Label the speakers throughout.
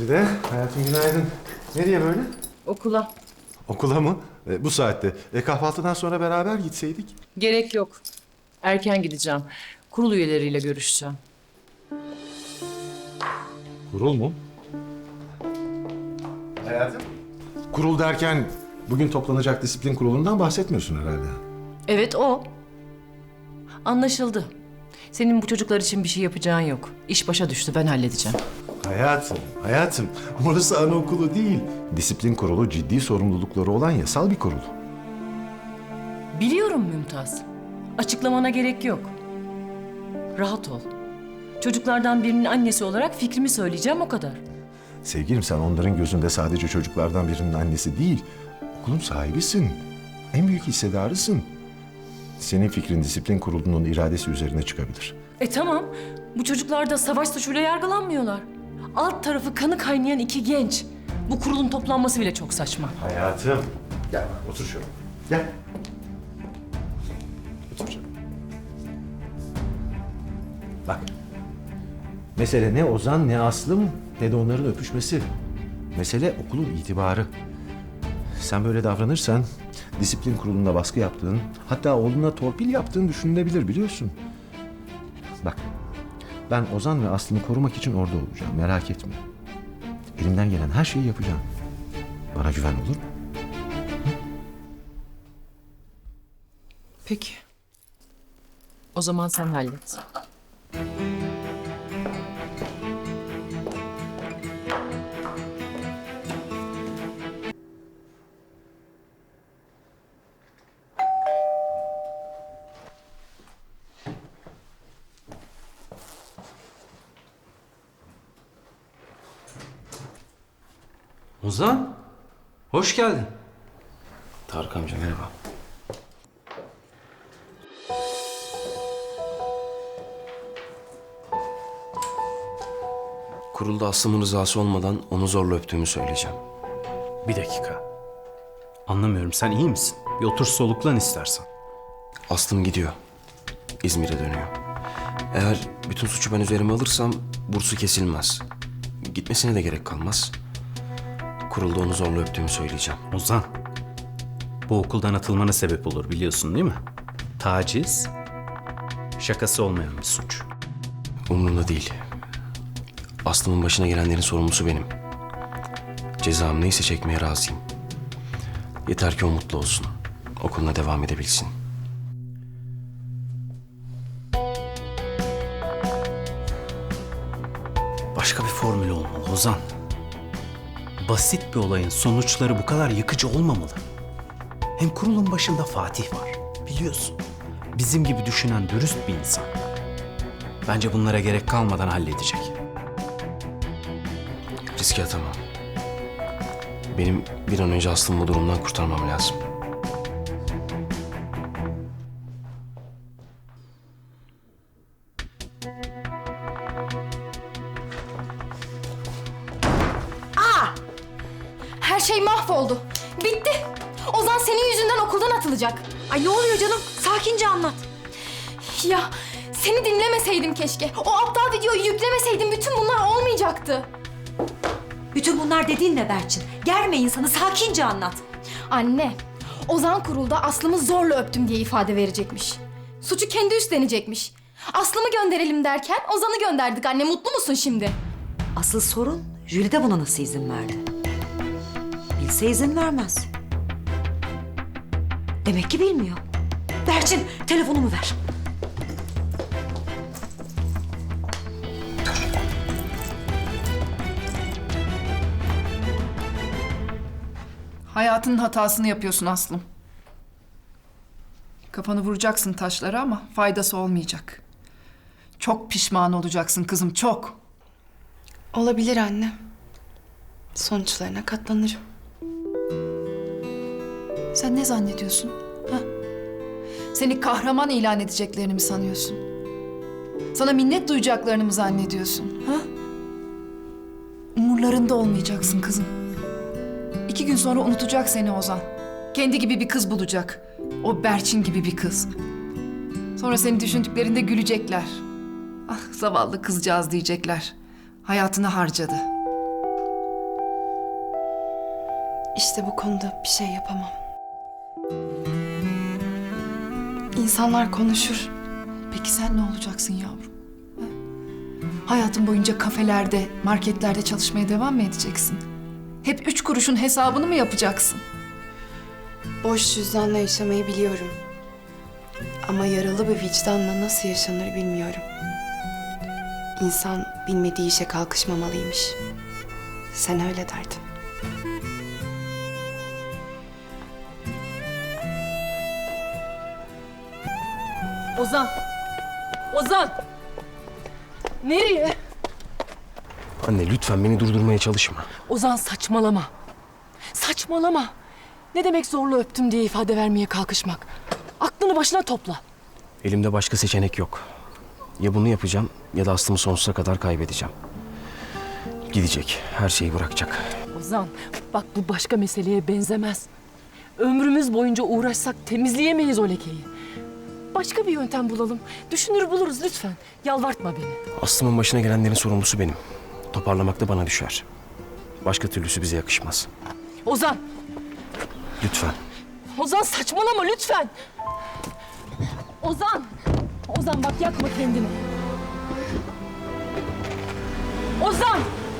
Speaker 1: Güzide, hayatım günaydın. Nereye böyle?
Speaker 2: Okula.
Speaker 1: Okula mı? Bu saatte. Kahvaltıdan sonra beraber gitseydik.
Speaker 2: Gerek yok. Erken gideceğim. Kurul üyeleriyle görüşeceğim.
Speaker 1: Kurul mu? Hayatım? Kurul derken bugün toplanacak disiplin kurulundan bahsetmiyorsun herhalde.
Speaker 2: Evet o. Anlaşıldı. Senin bu çocuklar için bir şey yapacağın yok. İş başa düştü, ben halledeceğim.
Speaker 1: Hayatım. Orası anaokulu değil. Disiplin kurulu ciddi sorumlulukları olan yasal bir kurul.
Speaker 2: Biliyorum Mümtaz. Açıklamana gerek yok. Rahat ol. Çocuklardan birinin annesi olarak fikrimi söyleyeceğim, o kadar.
Speaker 1: Sevgilim, sen onların gözünde sadece çocuklardan birinin annesi değil, okulun sahibisin. En büyük hissedarısın. Senin fikrin disiplin kurulunun iradesi üzerine çıkabilir.
Speaker 2: Tamam. Bu çocuklar da savaş suçuyla yargılanmıyorlar. Alt tarafı kanı kaynayan iki genç. Bu kurulun toplanması bile çok saçma.
Speaker 1: Hayatım. Gel otur şöyle. Gel. Otur şöyle. Bak. Mesele ne Ozan ne Aslım ne de onların öpüşmesi. Mesele okulun itibarı. Sen böyle davranırsan disiplin kurulunda baskı yaptığın, hatta oğluna torpil yaptığın düşünülebilir, biliyorsun. Bak, ben Ozan ve Aslı'nı korumak için orada olacağım, merak etme. Elimden gelen her şeyi yapacağım. Bana güven, olur mu?
Speaker 2: Peki. O zaman sen hallet.
Speaker 3: Ozan, hoş geldin.
Speaker 4: Tarık amca merhaba. Kurulda Aslım'ın rızası olmadan onu zorla öptüğümü söyleyeceğim.
Speaker 3: Bir dakika. Anlamıyorum, sen iyi misin? Bir otur soluklan istersen.
Speaker 4: Aslım gidiyor. İzmir'e dönüyor. Eğer bütün suçu ben üzerime alırsam bursu kesilmez. Gitmesine de gerek kalmaz. Kurulda onu zorla öptüğümü söyleyeceğim.
Speaker 3: Ozan, bu okuldan atılmana sebep olur biliyorsun değil mi? Taciz, şakası olmayan bir suç.
Speaker 4: Umurumda değil. Aslım'ın başına gelenlerin sorumlusu benim. Cezam neyse çekmeye razıyım. Yeter ki o mutlu olsun. Okuluna devam edebilsin.
Speaker 3: Başka bir formül olmalı Ozan. Basit bir olayın sonuçları bu kadar yıkıcı olmamalı. Hem kurulun başında Fatih var, biliyorsun. Bizim gibi düşünen dürüst bir insan. Bence bunlara gerek kalmadan halledecek.
Speaker 4: Riske atamam. Benim bir an önce Aslım'ı bu durumdan kurtarmam lazım.
Speaker 5: Her şey mahvoldu. Bitti. Ozan senin yüzünden okuldan atılacak. Ay ne oluyor canım? Sakince anlat. Ya seni dinlemeseydim keşke. O aptal videoyu yüklemeseydim bütün bunlar olmayacaktı.
Speaker 6: Bütün bunlar dediğin ne Berçin? Germe insanı, sakince anlat.
Speaker 5: Anne, Ozan kurulda Aslım'ı zorla öptüm diye ifade verecekmiş. Suçu kendi üstlenecekmiş. Aslım'ı gönderelim derken Ozan'ı gönderdik anne. Mutlu musun şimdi?
Speaker 6: Asıl sorun Jülide buna nasıl izin verdi? Bilse izin vermez. Demek ki bilmiyor. Berçin, telefonumu ver.
Speaker 7: Hayatının hatasını yapıyorsun Aslım. Kafanı vuracaksın taşlara ama faydası olmayacak. Çok pişman olacaksın kızım, çok.
Speaker 8: Olabilir anne. Sonuçlarına katlanırım.
Speaker 7: Sen ne zannediyorsun? Ha? Seni kahraman ilan edeceklerini mi sanıyorsun? Sana minnet duyacaklarını mı zannediyorsun? Ha? Umurlarında olmayacaksın kızım. 2 gün sonra unutacak seni Ozan. Kendi gibi bir kız bulacak. O Berçin gibi bir kız. Sonra seni düşündüklerinde gülecekler. Ah zavallı kızcağız diyecekler. Hayatını harcadı.
Speaker 8: İşte bu konuda bir şey yapamam. İnsanlar konuşur.
Speaker 7: Peki sen ne olacaksın yavrum? Ha? Hayatın boyunca kafelerde, marketlerde çalışmaya devam mı edeceksin? Hep 3 kuruşun hesabını mı yapacaksın?
Speaker 8: Boş cüzdanla yaşamayı biliyorum. Ama yaralı bir vicdanla nasıl yaşanır bilmiyorum. İnsan bilmediği işe kalkışmamalıymış. Sen öyle derdin.
Speaker 2: Ozan! Ozan! Nereye?
Speaker 4: Anne lütfen beni durdurmaya çalışma.
Speaker 2: Ozan saçmalama. Saçmalama. Ne demek zorla öptüm diye ifade vermeye kalkışmak? Aklını başına topla.
Speaker 4: Elimde başka seçenek yok. Ya bunu yapacağım ya da Aslım'ı sonsuza kadar kaybedeceğim. Gidecek, her şeyi bırakacak.
Speaker 2: Ozan bak bu başka meseleye benzemez. Ömrümüz boyunca uğraşsak temizleyemeyiz o lekeyi. Başka bir yöntem bulalım. Düşünür buluruz lütfen. Yalvartma beni.
Speaker 4: Aslım'ın başına gelenlerin sorumlusu benim. Toparlamak da bana düşer. Başka türlüsü bize yakışmaz.
Speaker 2: Ozan!
Speaker 4: Lütfen.
Speaker 2: Ozan saçmalama lütfen. Ozan! Ozan bak yakma kendini. Ozan!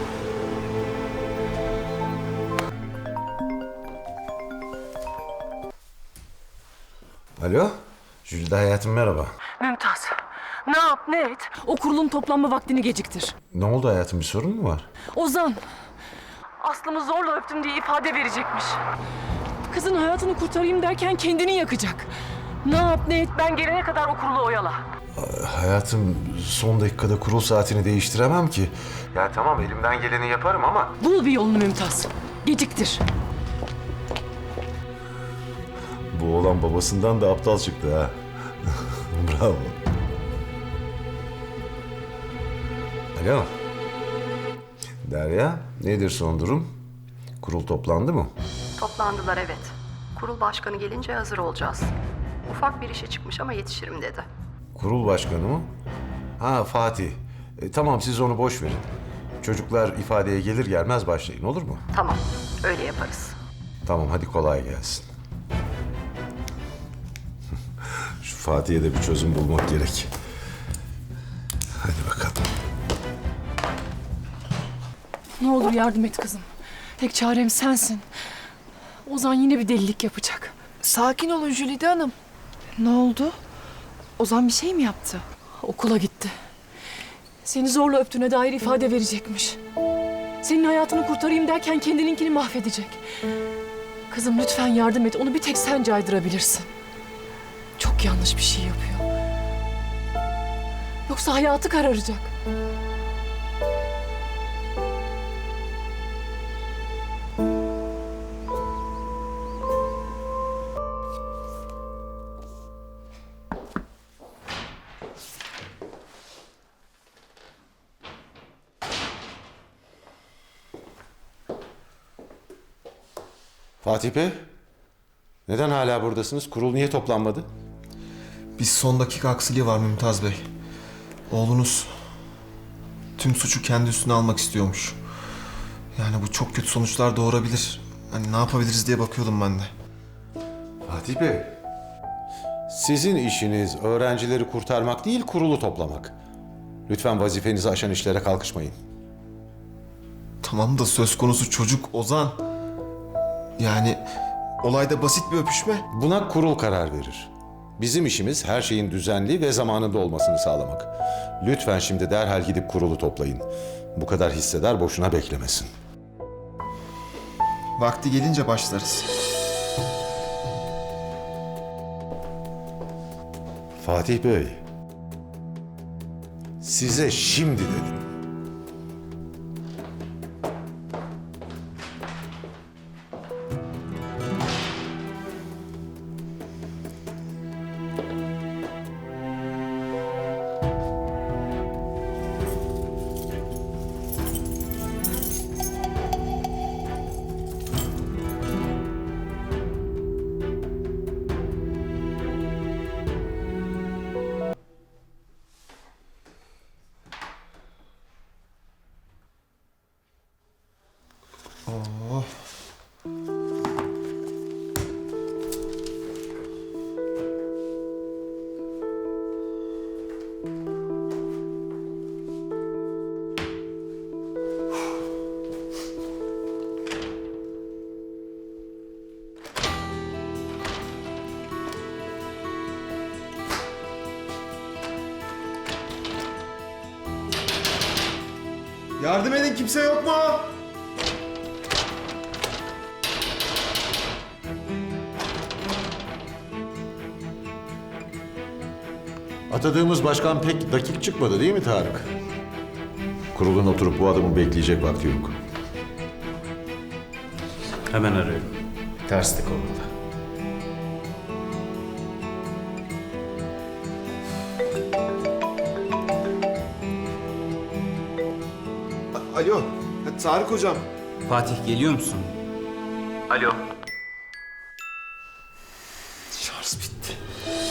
Speaker 1: Alo, Jülide hayatım merhaba.
Speaker 2: Mümtaz, ne yap ne et? O kurulun toplanma vaktini geciktir.
Speaker 1: Ne oldu hayatım, bir sorun mu var?
Speaker 2: Ozan, Aslı'mı zorla öptüm diye ifade verecekmiş. Kızın hayatını kurtarayım derken kendini yakacak. Ne yap ne et ben gelene kadar o kurulu oyala.
Speaker 1: Hayatım, son dakikada kurul saatini değiştiremem ki. Ya tamam, elimden geleni yaparım ama...
Speaker 2: Bul bir yolunu Mümtaz. Geciktir.
Speaker 1: Bu oğlan babasından da aptal çıktı ha. Bravo. Alo. Derya, nedir son durum? Kurul toplandı mı?
Speaker 9: Toplandılar evet. Kurul başkanı gelince hazır olacağız. Ufak bir işe çıkmış ama yetişirim dedi.
Speaker 1: Kurul başkanı mı? Ha, Fatih. Tamam, siz onu boş verin. Çocuklar ifadeye gelir gelmez başlayın, olur mu?
Speaker 9: Tamam, öyle yaparız.
Speaker 1: Tamam, hadi kolay gelsin. Şu Fatih'e de bir çözüm bulmak gerek. Hadi bakalım.
Speaker 2: Ne olur yardım et kızım. Tek çarem sensin. Ozan yine bir delilik yapacak.
Speaker 7: Sakin olun Jülide Hanım.
Speaker 8: Ne oldu? Ozan bir şey mi yaptı?
Speaker 2: Okula gitti. Seni zorla öptüğüne dair ifade verecekmiş. Senin hayatını kurtarayım derken kendininkini mahvedecek. Kızım lütfen yardım et. Onu bir tek sen caydırabilirsin. Çok yanlış bir şey yapıyor. Yoksa hayatı kararacak.
Speaker 1: Fatih Bey, neden hala buradasınız? Kurul niye toplanmadı?
Speaker 10: Bir son dakika aksiliği var Mümtaz Bey. Oğlunuz tüm suçu kendi üstüne almak istiyormuş. Yani bu çok kötü sonuçlar doğurabilir. Hani ne yapabiliriz diye bakıyordum ben de.
Speaker 1: Fatih Bey, sizin işiniz öğrencileri kurtarmak değil, kurulu toplamak. Lütfen vazifenizi aşan işlere kalkışmayın.
Speaker 10: Tamam da söz konusu çocuk Ozan. Yani olayda basit bir öpüşme.
Speaker 1: Buna kurul karar verir. Bizim işimiz her şeyin düzenli ve zamanında olmasını sağlamak. Lütfen şimdi derhal gidip kurulu toplayın. Bu kadar hissedar boşuna beklemesin.
Speaker 10: Vakti gelince başlarız.
Speaker 1: Fatih Bey, size şimdi dedim.
Speaker 10: Yardım edin, kimse yok mu?
Speaker 11: Atadığımız başkan pek dakik çıkmadı değil mi Tarık? Kurulun oturup bu adamı bekleyecek vakti yok.
Speaker 3: Hemen arıyorum.
Speaker 11: Terslik orada.
Speaker 10: Alo, Tarık hocam.
Speaker 3: Fatih geliyor musun? Alo.
Speaker 10: Şarj bitti.